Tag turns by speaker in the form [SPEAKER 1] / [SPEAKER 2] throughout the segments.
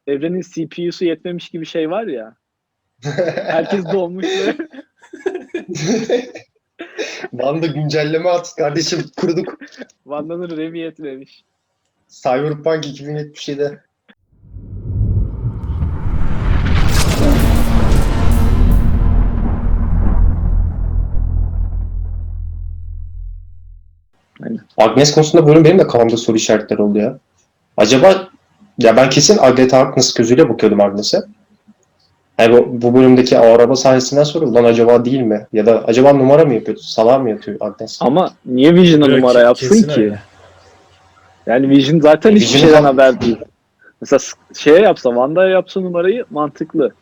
[SPEAKER 1] evrenin CPU'su yetmemiş gibi şey var ya. Herkes doğmuş ve
[SPEAKER 2] Wanda güncelleme at kardeşim, kurduk.
[SPEAKER 1] Wanda'nın RAM'i yetmemiş.
[SPEAKER 2] Cyberpunk 2077'de.
[SPEAKER 1] Aynen.
[SPEAKER 2] Agnes konusunda bölüm benim de kafamda soru işaretleri oldu ya. Acaba, ya ben kesin Agatha Harkness gözüyle bakıyordum Agnes'e. Yani bu bölümdeki o araba sahnesinden sonra lan acaba değil mi? Ya da acaba numara mı yapıyor? Salağa mı yatıyor Agnes?
[SPEAKER 1] Ama niye Vision'a
[SPEAKER 3] Yok,
[SPEAKER 1] numara yapsın
[SPEAKER 3] kesin
[SPEAKER 1] ki?
[SPEAKER 3] öyle.
[SPEAKER 1] Yani Vision zaten hiçbir
[SPEAKER 2] Vision
[SPEAKER 1] şeyden
[SPEAKER 2] falan-
[SPEAKER 1] haber değil. Mesela şeye yapsa, Wanda'ya yapsa numarayı mantıklı.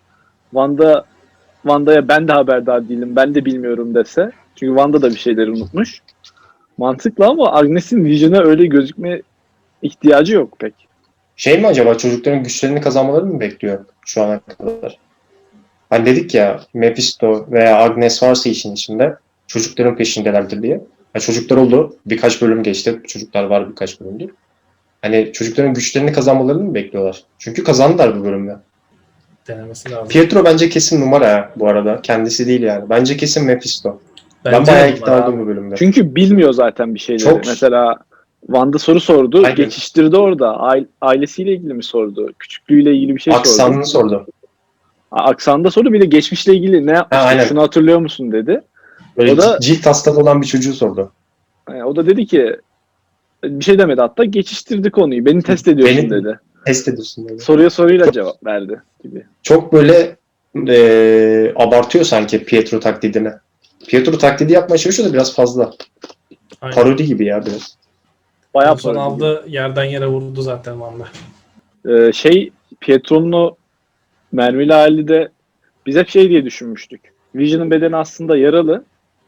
[SPEAKER 1] Wanda'ya ben de haberdar değilim, ben de bilmiyorum dese. Çünkü Wanda da bir şeyleri unutmuş. Mantıklı ama Agnes'in Vision'a öyle gözükme ihtiyacı yok pek.
[SPEAKER 2] Şey mi acaba, çocukların güçlerini kazanmalarını mı bekliyor şu ana kadar? Hani dedik ya, Mephisto veya Agnes varsa işin içinde çocukların peşindelerdir diye. Ha, çocuklar oldu. Birkaç bölüm geçti. Çocuklar var birkaç bölümdür. Hani çocukların güçlerini kazanmalarını mı bekliyorlar? Çünkü kazandılar bu bölümde.
[SPEAKER 3] Denemesi lazım.
[SPEAKER 2] Pietro bence kesin numara ya bu arada. Kendisi değil yani. Bence kesin Mephisto. Ben
[SPEAKER 3] Bence
[SPEAKER 2] bayağı
[SPEAKER 3] de
[SPEAKER 2] ikna
[SPEAKER 3] numara
[SPEAKER 2] oldum bu bölümde.
[SPEAKER 1] Çünkü bilmiyor zaten bir şeyleri.
[SPEAKER 2] Çok-
[SPEAKER 1] Mesela Wanda soru sordu,
[SPEAKER 2] Aynen.
[SPEAKER 1] geçiştirdi orada. Ailesiyle ilgili mi sordu? Küçüklüğüyle ilgili bir şey sordu.
[SPEAKER 2] Aksanını sordu.
[SPEAKER 1] Aksanında sordu, bir de geçmişle ilgili ne yapmıştı?
[SPEAKER 2] aynen.
[SPEAKER 1] Şunu hatırlıyor musun dedi.
[SPEAKER 2] Böyle
[SPEAKER 1] O da-
[SPEAKER 2] cilt hastalığı olan bir çocuğu sordu.
[SPEAKER 1] O da dedi ki, bir şey demedi hatta, geçiştirdi konuyu. Beni test ediyorsun
[SPEAKER 2] Beni-
[SPEAKER 1] dedi.
[SPEAKER 2] Test ediyorsun dedi.
[SPEAKER 1] Soruya soruyla cevap verdi gibi.
[SPEAKER 2] Çok böyle abartıyor sanki Pietro taklidini. Pietro taklidi yapmaya çalışıyor da biraz fazla.
[SPEAKER 3] Aynen.
[SPEAKER 2] Parodi gibi ya biraz.
[SPEAKER 1] Bayağı
[SPEAKER 3] Son
[SPEAKER 1] parodi gibi.
[SPEAKER 3] aldı, yerden yere vurdu zaten Wanda.
[SPEAKER 1] Pietro'nun o mermili hali de biz hep şey diye düşünmüştük. Vision'ın bedeni aslında yaralı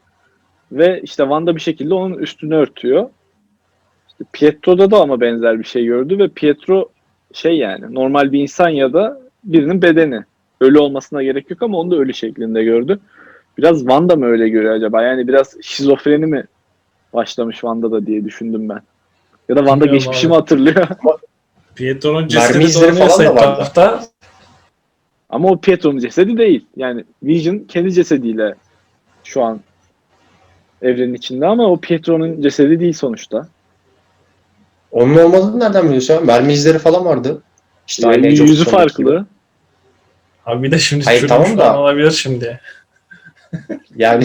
[SPEAKER 1] ve işte Wanda bir şekilde onun üstünü örtüyor. İşte Pietro'da da ama benzer bir şey gördü ve Pietro şey, yani normal bir insan ya da birinin bedeni. Ölü olmasına gerek yok ama onu da ölü şeklinde gördü. Biraz Wanda mı öyle görüyor acaba? Yani biraz şizofreni mi başlamış Wanda'da diye düşündüm ben. Ya da Wanda
[SPEAKER 3] Bilmiyorum
[SPEAKER 1] geçmişi
[SPEAKER 3] abi.
[SPEAKER 1] mi hatırlıyor?
[SPEAKER 3] Pietro'nun
[SPEAKER 2] Mermi
[SPEAKER 3] cesedi
[SPEAKER 2] izleri
[SPEAKER 3] dolanıyorsa
[SPEAKER 2] falan da vardı.
[SPEAKER 3] etrafta
[SPEAKER 1] Ama o Pietro'nun cesedi değil. Yani Vision kendi cesediyle şu an evrenin içinde ama o Pietro'nun cesedi değil sonuçta.
[SPEAKER 2] Onun olmadığını nereden biliyorsun ya? Mermi izleri falan vardı. İşte aynı Age of
[SPEAKER 1] Yüzü
[SPEAKER 2] Ultron'daki gibi.
[SPEAKER 1] farklı.
[SPEAKER 3] abi bir de şimdi
[SPEAKER 2] Hayır,
[SPEAKER 3] çürümüş
[SPEAKER 2] tamam da-
[SPEAKER 3] falan olabilir şimdi.
[SPEAKER 2] Yani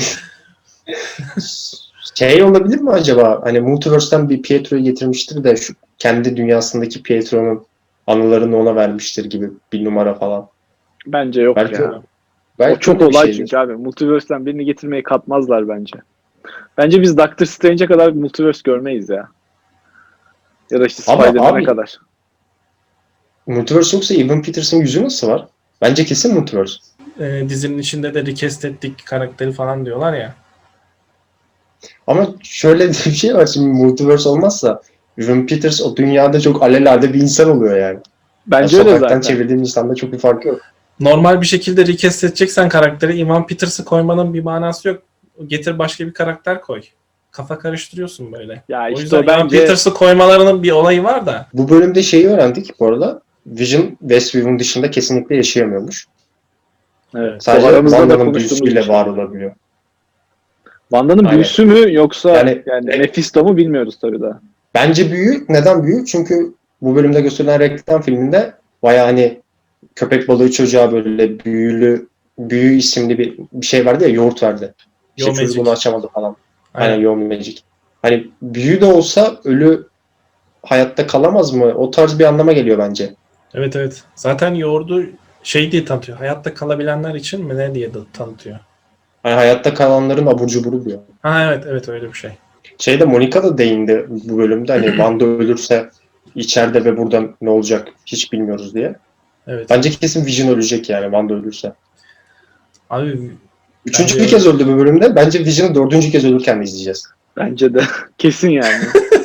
[SPEAKER 2] şey olabilir mi acaba? Hani Multiverse'den bir Pietro'yu getirmiştir de şu kendi dünyasındaki Pietro'nun anılarını ona vermiştir gibi bir numara falan.
[SPEAKER 1] Bence yok
[SPEAKER 2] Belki
[SPEAKER 1] ya.
[SPEAKER 2] belki
[SPEAKER 1] O çok
[SPEAKER 2] öyle bir
[SPEAKER 1] olay
[SPEAKER 2] şeydir.
[SPEAKER 1] çünkü abi. Multiverse'den birini getirmeyi katmazlar bence. Bence biz Doctor Strange'e kadar Multiverse görmeyiz ya. Ya da işte
[SPEAKER 2] Ama
[SPEAKER 1] Spider-Man'e
[SPEAKER 2] abi-
[SPEAKER 1] kadar.
[SPEAKER 2] Multiverse yoksa Evan Peters'ın yüzü nasıl var? Bence kesin Multiverse.
[SPEAKER 3] Dizinin içinde de recast ettik karakteri falan diyorlar ya.
[SPEAKER 2] Ama şöyle bir şey var, şimdi Multiverse olmazsa Evan Peters o dünyada çok alelade bir insan oluyor yani.
[SPEAKER 1] Bence
[SPEAKER 2] Yani
[SPEAKER 1] öyle
[SPEAKER 2] sokaktan
[SPEAKER 1] zaten.
[SPEAKER 2] çevirdiğin insanda çok bir farkı yok.
[SPEAKER 3] Normal bir şekilde recast edeceksen karakteri Evan Peters'ı koymanın bir manası yok. Getir başka bir karakter koy. Kafa karıştırıyorsun böyle.
[SPEAKER 1] Ya
[SPEAKER 3] O
[SPEAKER 1] işte
[SPEAKER 3] yüzden
[SPEAKER 1] o
[SPEAKER 3] Evan
[SPEAKER 1] bence
[SPEAKER 3] Peters'ı koymalarının bir olayı var da.
[SPEAKER 2] Bu bölümde şeyi öğrendik bu arada. Vision Westview'un dışında kesinlikle yaşayamıyormuş.
[SPEAKER 1] evet,
[SPEAKER 2] Sadece
[SPEAKER 1] aramızda da
[SPEAKER 2] Wanda'nın
[SPEAKER 1] konuştuğumuz bir
[SPEAKER 2] büyüsüyle
[SPEAKER 1] şey.
[SPEAKER 2] var olabiliyor.
[SPEAKER 1] Wanda'nın
[SPEAKER 2] Aynen.
[SPEAKER 1] büyüsü mü yoksa
[SPEAKER 2] Yani-
[SPEAKER 1] yani Mephisto mu bilmiyoruz tabii daha.
[SPEAKER 2] Bence büyü. Neden büyü? Çünkü bu bölümde gösterilen reklam filminde bayağı hani köpek balığı çocuğa böyle büyü isimli bir şey vardı ya, yoğurt verdi. İşte
[SPEAKER 3] Yo
[SPEAKER 2] çocuk
[SPEAKER 3] Magic.
[SPEAKER 2] bunu açamadı falan. Aynen,
[SPEAKER 3] Aynen.
[SPEAKER 2] Yo Magic. Hani büyü de olsa ölü hayatta kalamaz mı? O tarz bir anlama geliyor bence.
[SPEAKER 3] Evet evet. Zaten yoğurdu şey diye tanıtıyor. Hayatta kalabilenler için mi ne diye de tanıtıyor.
[SPEAKER 2] Hani hayatta kalanların abur cuburu diyor.
[SPEAKER 3] Ha evet evet öyle bir şey.
[SPEAKER 2] Şeyde Monica da değindi bu bölümde, hani Wanda ölürse içeride ve burada ne olacak hiç bilmiyoruz diye.
[SPEAKER 3] Evet.
[SPEAKER 2] Bence kesin Vision ölecek yani Wanda ölürse.
[SPEAKER 3] Abi
[SPEAKER 2] Üçüncü
[SPEAKER 3] Bence
[SPEAKER 2] bir kez öldü bu bölümde. Bence Vision'ı dördüncü kez ölürken de izleyeceğiz.
[SPEAKER 1] Bence de kesin yani.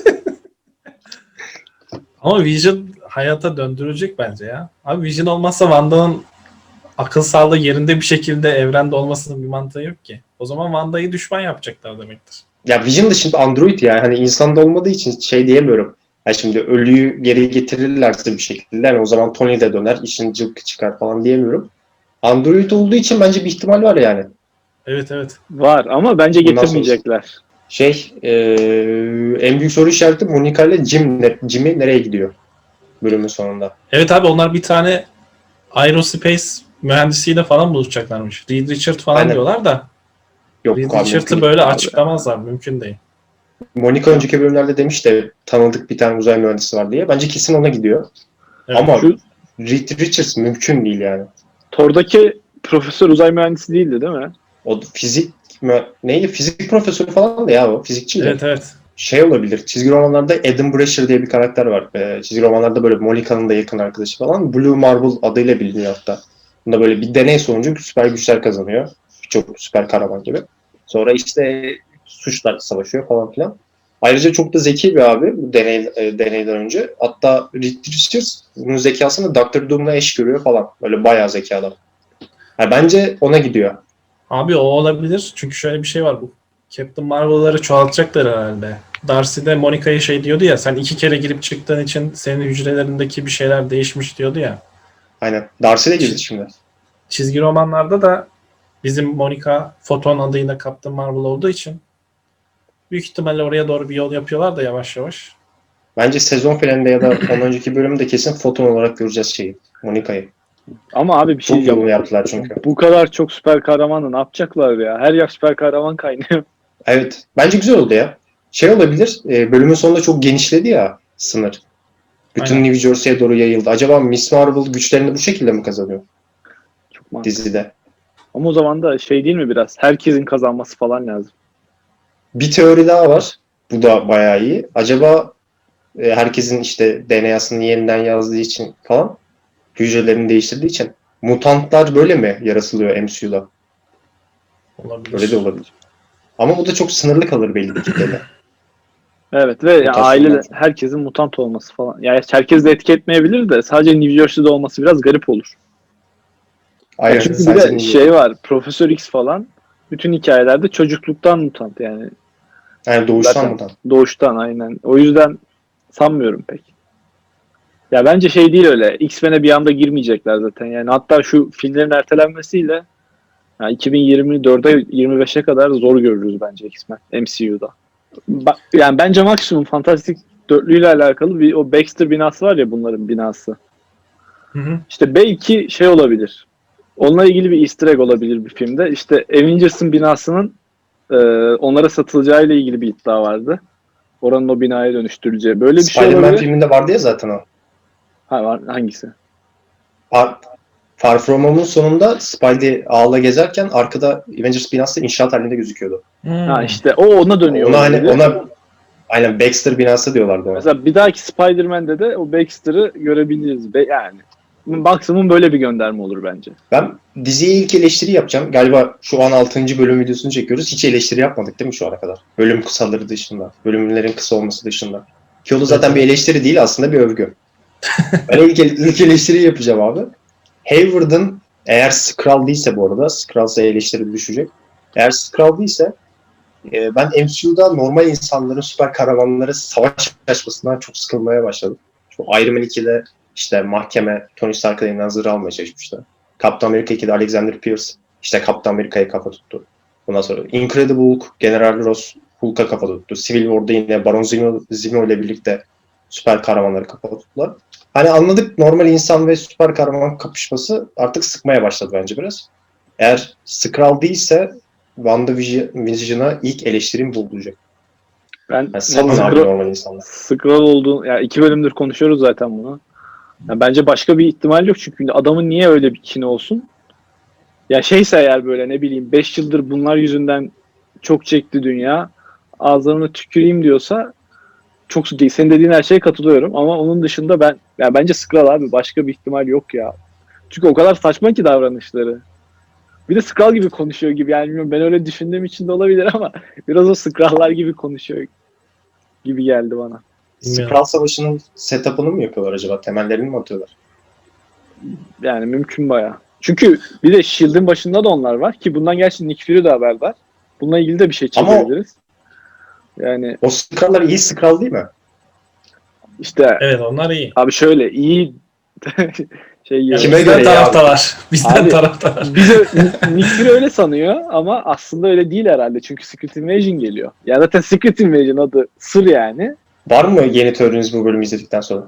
[SPEAKER 3] ama Vision hayata döndürecek bence ya. Abi Vision olmazsa Wanda'nın akıl sağlığı yerinde bir şekilde evrende olmasının bir mantığı yok ki. O zaman Wanda'yı düşman yapacaklar demektir.
[SPEAKER 2] Ya Vision da şimdi android yani. Hani insanda olmadığı için şey diyemiyorum. Yani şimdi ölüyü geri getirirlerse bir şekilde yani o zaman Tony de döner, işin cılkı çıkar falan diyemiyorum. Android olduğu için bence bir ihtimal var yani.
[SPEAKER 3] Evet evet.
[SPEAKER 1] Var ama bence
[SPEAKER 2] Bundan
[SPEAKER 1] getirmeyecekler.
[SPEAKER 2] En büyük soru işareti Monica ile Jimmy nereye gidiyor bölümün sonunda?
[SPEAKER 3] Evet abi onlar bir tane aerospace mühendisiyle falan buluşacaklarmış. Reed Richard falan
[SPEAKER 2] Aynen.
[SPEAKER 3] diyorlar da
[SPEAKER 2] Yok
[SPEAKER 3] Reed
[SPEAKER 2] abi,
[SPEAKER 3] Richard'ı
[SPEAKER 2] mümkün
[SPEAKER 3] böyle
[SPEAKER 2] değil.
[SPEAKER 3] açıklamazlar. Mümkün değil.
[SPEAKER 2] Monica önceki bölümlerde demiş de tanıdık bir tane uzay mühendisi var diye. Bence kesin ona gidiyor.
[SPEAKER 3] Evet.
[SPEAKER 2] Ama
[SPEAKER 1] Şu
[SPEAKER 2] Reed Richards mümkün değil yani.
[SPEAKER 1] Thor'daki profesör uzay mühendisi değildi değil mi?
[SPEAKER 2] O neydi? Fizik profesörü falan da ya o. Fizikçiydi.
[SPEAKER 3] Evet evet.
[SPEAKER 2] Şey olabilir. Çizgi romanlarda Adam Brasher diye bir karakter var. Çizgi romanlarda böyle Monica'nın da yakın arkadaşı falan. Blue Marble adıyla biliniyor hatta. Bunda böyle bir deney sonucu süper güçler kazanıyor. Birçok süper kahraman gibi. Sonra işte suçlar savaşıyor falan filan. Ayrıca çok da zeki bir abi bu deneyden önce. Hatta Reed Richards bunun zekasını Doctor Doom'la eş görüyor falan. Böyle bayağı zeki adam. Yani bence ona gidiyor.
[SPEAKER 3] Abi o olabilir. Çünkü şöyle bir şey var bu. Captain Marvel'ları çoğaltacaklar herhalde. Darcy de Monica'ya şey diyordu ya, sen 2 kere girip çıktığın için senin hücrelerindeki bir şeyler değişmiş diyordu ya.
[SPEAKER 2] Aynen. Darcy de girdi şimdi.
[SPEAKER 3] Çizgi romanlarda da bizim Monica Photon adıyla Captain Marvel olduğu için büyük ihtimalle oraya doğru bir yol yapıyorlar da yavaş yavaş.
[SPEAKER 2] Bence sezon finalinde ya da ondan önceki bölümde kesin Photon olarak göreceğiz şeyi. Monica'yı.
[SPEAKER 1] Ama abi bir şey
[SPEAKER 2] Çok yolunu
[SPEAKER 1] diyeceğim.
[SPEAKER 2] yaptılar çünkü.
[SPEAKER 1] Bu kadar çok süper kahramanı ne yapacaklar ya? Her yer süper kahraman kaynıyor.
[SPEAKER 2] Evet. Bence güzel oldu ya. Şey olabilir. Bölümün sonunda çok genişledi ya sınır. Bütün
[SPEAKER 3] Aynen.
[SPEAKER 2] New Jersey'ye doğru yayıldı. Acaba Miss Marvel güçlerini bu şekilde mi kazanıyor
[SPEAKER 1] Çok mantıklı.
[SPEAKER 2] dizide?
[SPEAKER 1] Ama o zaman da şey değil mi biraz? Herkesin kazanması falan lazım.
[SPEAKER 2] Bir teori daha var. Bu da bayağı iyi. Acaba herkesin işte DNA'sını yeniden yazdığı için falan hücrelerini değiştirdiği için mutantlar böyle mi yaratılıyor MCU'da?
[SPEAKER 3] Olabilir.
[SPEAKER 2] Öyle de olabilir. Ama bu da çok sınırlı kalır belli bir kitlede.
[SPEAKER 1] Evet ve yani
[SPEAKER 2] Mutasyonlar.
[SPEAKER 1] ailede herkesin mutant olması falan. Yani herkes de etki etmeyebilir de sadece New Jersey'de olması biraz garip olur. Ya
[SPEAKER 2] Aynen.
[SPEAKER 1] çünkü bir
[SPEAKER 2] Sadece
[SPEAKER 1] de
[SPEAKER 2] New
[SPEAKER 1] şey
[SPEAKER 2] York.
[SPEAKER 1] var. Profesör X falan bütün hikayelerde çocukluktan mutant yani.
[SPEAKER 2] Yani doğuştan
[SPEAKER 1] Zaten
[SPEAKER 2] mutant.
[SPEAKER 1] doğuştan aynen. O yüzden sanmıyorum pek. Ya bence şey değil öyle. X-Men'e bir anda girmeyecekler zaten. Yani hatta şu filmlerin ertelenmesiyle yani 2024'e 25'e kadar zor görürüz bence X-Men MCU'da. Yani bence maksimum Fantastic Dörtlü ile alakalı bir o Baxter binası var ya bunların binası.
[SPEAKER 3] Hı hı.
[SPEAKER 1] İşte belki şey olabilir. Onunla ilgili bir easter egg olabilir bir filmde. İşte Avengers'ın binasının onlara satılacağı ile ilgili bir iddia vardı. Oranın o binaya dönüştürüleceği. Böyle bir şey
[SPEAKER 2] Spider-Man
[SPEAKER 1] olabilir.
[SPEAKER 2] filminde vardı ya zaten o.
[SPEAKER 1] Ha, var, hangisi?
[SPEAKER 2] Far, Far From Home'un sonunda Spidey ağla gezerken arkada Avengers binası inşaat halinde gözüküyordu.
[SPEAKER 1] Ha
[SPEAKER 3] Hmm.
[SPEAKER 1] işte o ona dönüyor
[SPEAKER 2] Ona hani
[SPEAKER 1] olabilir.
[SPEAKER 2] aynen Baxter binası diyorlardı ona.
[SPEAKER 1] Mesela bir dahaki Spider-Man'de de o Baxter'ı görebiliriz. Yani maksimum böyle bir gönderme olur bence.
[SPEAKER 2] Ben diziye ilk eleştiri yapacağım. Galiba şu an 6. bölüm videosunu çekiyoruz. Hiç eleştiri yapmadık değil mi şu ana kadar? Bölüm kısaları dışında. Bölümlerin kısa olması dışında. Ki o da zaten bir eleştiri değil aslında bir övgü. Ben ilk eleştiriyi yapacağım abi. Hayward'ın eğer Skrull değilse bu arada, Skrull'sa eleştiri düşecek. Eğer Skrull değilse ben MCU'da normal insanların süper kahramanları savaş açmasından çok sıkılmaya başladım. Şu Iron Man 2'de işte mahkeme Tony Stark'ın elinden zırh almaya çalışmıştı. Captain America 2'de Alexander Pierce işte Captain America'ya kafa tuttu. Bundan sonra Incredible Hulk, General Ross Hulk'a kafa tuttu. Civil War'da yine Baron Zemo ile birlikte süper kahramanları kafa tuttular. Hani anladık normal insan ve süper kahraman kapışması artık sıkmaya başladı bence biraz. Eğer Skrull değilse WandaVision'a ilk eleştirim bu olacak.
[SPEAKER 1] Ben
[SPEAKER 2] Yani salın abi normal insanlar.
[SPEAKER 1] Skrull olduğunu, yani 2 bölümdür konuşuyoruz zaten bunu. Yani bence başka bir ihtimal yok çünkü adamın niye öyle bir kini olsun? Ya şeyse eğer böyle ne bileyim 5 yıldır bunlar yüzünden çok çekti dünya. Ağızlarına tüküreyim diyorsa çok senin dediğin her şeye katılıyorum ama onun dışında ya bence Skrull abi başka bir ihtimal yok ya. Çünkü o kadar saçma ki davranışları. Bir de Skrull gibi konuşuyor gibi yani bilmiyorum ben öyle düşündüğüm için de olabilir ama biraz o Skrull'lar gibi konuşuyor gibi geldi bana.
[SPEAKER 3] Bilmiyorum.
[SPEAKER 2] Skrull Savaşı'nın setup'ını mı yapıyorlar acaba? Temellerini mi atıyorlar?
[SPEAKER 1] Yani mümkün bayağı. Çünkü bir de S.H.I.E.L.D'in başında da onlar var ki bundan gerçi Nick Fury de haberdar. Bununla ilgili de bir şey
[SPEAKER 2] Ama
[SPEAKER 1] çekebiliriz. Yani
[SPEAKER 2] o Skrull'lar iyi Skrull değil mi?
[SPEAKER 1] İşte
[SPEAKER 3] Evet, onlar iyi.
[SPEAKER 1] abi şöyle iyi şey
[SPEAKER 3] Yani
[SPEAKER 2] Kime
[SPEAKER 3] bizden
[SPEAKER 2] göre ya?
[SPEAKER 3] taraftalar. Bizden
[SPEAKER 1] Abi,
[SPEAKER 3] taraftalar.
[SPEAKER 1] bize Nick Fury öyle sanıyor ama aslında öyle değil herhalde. Çünkü Secret Invasion geliyor. Ya zaten Secret Invasion adı sır yani.
[SPEAKER 2] Var mı yeni teoriniz bu bölümü izledikten sonra?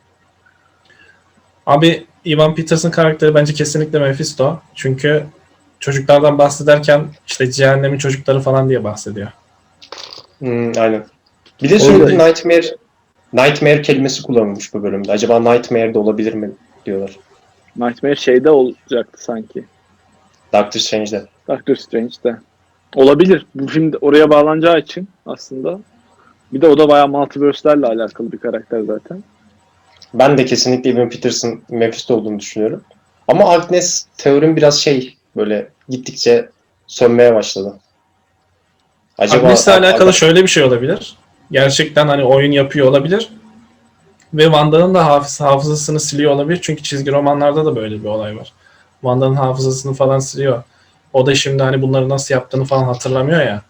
[SPEAKER 3] Abi Ivan Peterson karakteri bence kesinlikle Mephisto. Çünkü çocuklardan bahsederken işte cehennemin çocukları falan diye bahsediyor.
[SPEAKER 2] Aynen. Bir de sürekli Nightmare kelimesi kullanılmış bu bölümde. Acaba Nightmare de olabilir mi diyorlar.
[SPEAKER 1] Nightmare şeyde olacaktı sanki.
[SPEAKER 2] Doctor Strange'de.
[SPEAKER 1] Doctor Strange'de. Olabilir. Bu film de oraya bağlanacağı için aslında. Bir de o da bayağı multiverse'lerle alakalı bir karakter zaten.
[SPEAKER 2] Ben de kesinlikle Evan Peterson Mephisto olduğunu düşünüyorum. Ama Agnes teorim biraz böyle gittikçe sönmeye başladı. Acaba
[SPEAKER 3] Agnes'le alakalı şöyle bir şey olabilir. Gerçekten hani oyun yapıyor olabilir. Ve Wanda'nın da hafızasını siliyor olabilir. Çünkü çizgi romanlarda da böyle bir olay var. Wanda'nın hafızasını falan siliyor. O da şimdi hani bunları nasıl yaptığını falan hatırlamıyor ya.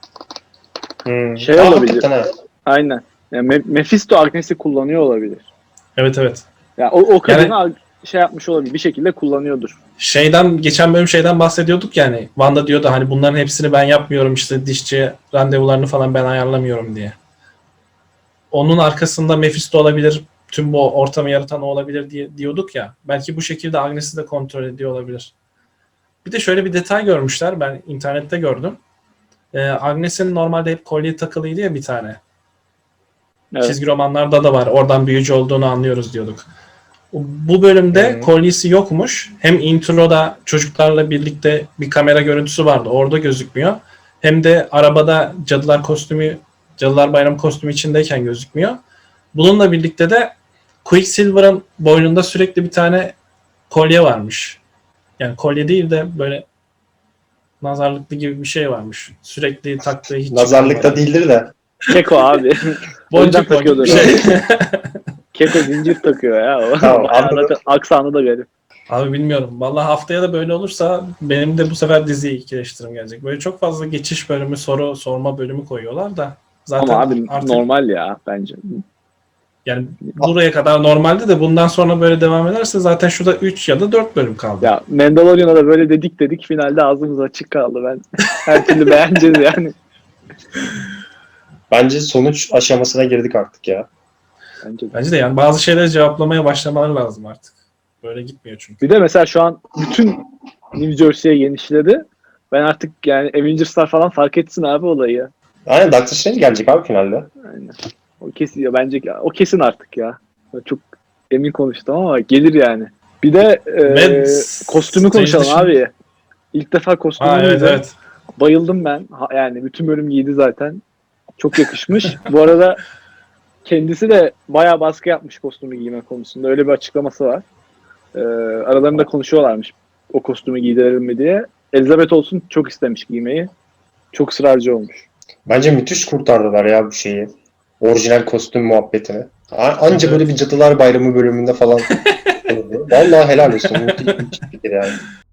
[SPEAKER 1] Şey olabilir.
[SPEAKER 2] hakikaten ha.
[SPEAKER 1] Aynen. Yani Mephisto Agnes'i kullanıyor olabilir.
[SPEAKER 3] Evet, evet.
[SPEAKER 1] Yani o kadını şey yapmış olabilir. Bir şekilde kullanıyordur.
[SPEAKER 3] Geçen bölüm şeyden bahsediyorduk yani. Wanda diyordu hani bunların hepsini ben yapmıyorum, işte dişçi randevularını falan ben ayarlamıyorum diye. Onun arkasında Mephisto olabilir. Tüm bu ortamı yaratan o olabilir diye diyorduk ya. Belki bu şekilde Agnes'i de kontrol ediyor olabilir. Bir de şöyle bir detay görmüşler. Ben internette gördüm. Agnes'in normalde hep kolye takılıydı ya bir tane.
[SPEAKER 1] Evet.
[SPEAKER 3] Çizgi romanlarda da var. Oradan büyücü olduğunu anlıyoruz diyorduk. Bu bölümde kolyesi yokmuş. Hem introda çocuklarla birlikte bir kamera görüntüsü vardı. Orada gözükmüyor. Hem de arabada Cadılar Bayramı kostümü içindeyken gözükmüyor. Bununla birlikte de Quicksilver'ın boynunda sürekli bir tane kolye varmış. Yani kolye değil de böyle nazarlıklı gibi bir şey varmış. Sürekli taktığı hiç
[SPEAKER 2] Nazarlıkta
[SPEAKER 3] çıkarmadan.
[SPEAKER 2] değildir de.
[SPEAKER 1] Keko abi. O yüzden
[SPEAKER 3] Boncuk
[SPEAKER 1] takıyordur
[SPEAKER 3] bir şey.
[SPEAKER 1] Keko zincir takıyor ya. O.
[SPEAKER 2] Tamam,
[SPEAKER 1] Bayağı
[SPEAKER 2] anladım.
[SPEAKER 1] zaten aksanı da garip.
[SPEAKER 3] Abi bilmiyorum. Vallahi haftaya da böyle olursa benim de bu sefer diziye ikileştirim gelecek. Böyle çok fazla geçiş bölümü, soru sorma bölümü koyuyorlar da. Zaten
[SPEAKER 1] Ama abi
[SPEAKER 3] artık
[SPEAKER 1] normal ya bence.
[SPEAKER 3] yani buraya kadar normalde de bundan sonra böyle devam ederse zaten şurada 3 ya da 4 bölüm kaldı.
[SPEAKER 1] Ya Mandalorian'a da böyle dedik finalde ağzımız açık kaldı. Ben her türlü beğeneceğiz yani.
[SPEAKER 2] Bence sonuç aşamasına girdik artık ya.
[SPEAKER 3] Bence de yani bazı şeyleri cevaplamaya başlamaları lazım artık. Böyle gitmiyor çünkü.
[SPEAKER 1] Bir de mesela şu an bütün New Jersey'ye genişledi. Ben artık yani Avengers'lar falan fark etsin abi olayı ya.
[SPEAKER 2] Aynen, Doctor Strange gelecek abi finalde.
[SPEAKER 1] Aynen. O kesin ya bence o kesin artık ya. Ben çok emin konuştum ama gelir yani. Bir de kostümü konuşalım abi. İlk defa kostümü
[SPEAKER 3] evet,
[SPEAKER 1] giydi.
[SPEAKER 3] evet.
[SPEAKER 1] Bayıldım ben. Yani bütün bölüm giydi zaten. Çok yakışmış. Bu arada kendisi de bayağı baskı yapmış kostümü giyme konusunda. Öyle bir açıklaması var. Aralarında konuşuyorlarmış o kostümü giydirelim mi diye. Elizabeth olsun çok istemiş giymeyi. Çok ısrarcı olmuş.
[SPEAKER 2] Bence müthiş kurtardılar ya bu şeyi. Orijinal kostüm muhabbetini. Anca böyle bir Cadılar Bayramı bölümünde falan. Vallahi helal olsun. Müthiş bir fikir yani.